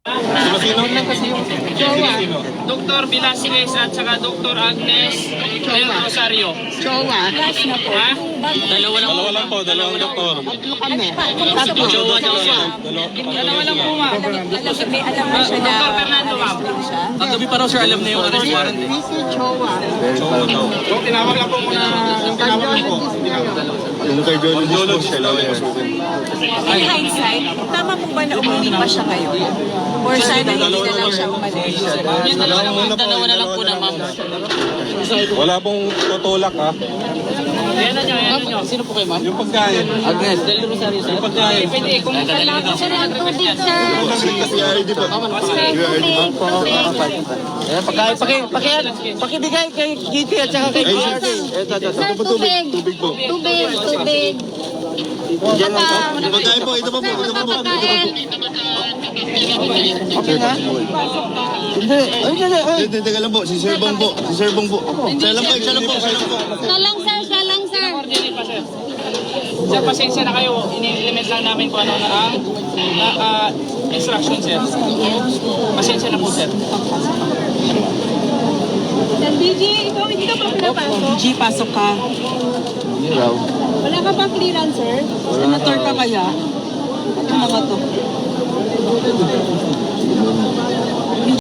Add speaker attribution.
Speaker 1: Sino lang kasi yung sino?
Speaker 2: Dr. Velasquez at saka Dr. Agnes Del Rosario.
Speaker 3: Jowa.
Speaker 2: Ha?
Speaker 1: Dalawa lang po, dalawang doktor.
Speaker 3: Tatlo kami.
Speaker 2: Tatlo. Dalawa lang po, ma'am.
Speaker 4: May alam na siya na
Speaker 2: Dr. Fernando, ma'am.
Speaker 5: Kagabi pa raw sir, alam na yung arrest warrant.
Speaker 3: Busy Jowa.
Speaker 1: Tinawag lang po muna. Tinawag po. Yung cardiologist po,
Speaker 4: in hindsight, tama po ba na umuwi pa siya ngayon? Or sana hindi na lang siya umalis?
Speaker 5: Yung dalawa na lang po na ma'am.
Speaker 1: Wala pong tutulak ha.
Speaker 2: Ayan na nyo, ayan na nyo.
Speaker 5: Sino po kayo ma'am?
Speaker 1: Yung pagkain.
Speaker 5: Agnes, Del Rosario sir.
Speaker 1: Yung pagkain.
Speaker 2: Pwede, kung kailangan siya ng tubig, sir.
Speaker 1: Kasi ID po.
Speaker 5: Pakibigay kay Kitty at saka kay
Speaker 1: Sir, tubig. Tubig po.
Speaker 6: Tubig.
Speaker 1: Pagkain po, ito pa po. Ito pa po.
Speaker 5: Okay na?
Speaker 1: Hindi, teka lang po. Si Sir Bong po. Siya lang po.
Speaker 6: Salang sir.
Speaker 2: Coordinate pa, sir. Sir, pasensya na kayo. Ini-implement lang namin kung ano na ang instruction, sir. Pasensya na po, sir.
Speaker 6: BG, ikaw hindi ka pa pinapasok?
Speaker 4: G, pasok ka.
Speaker 6: Wala ka pa clearance, sir?
Speaker 4: Senator ka kaya? Ano mga to?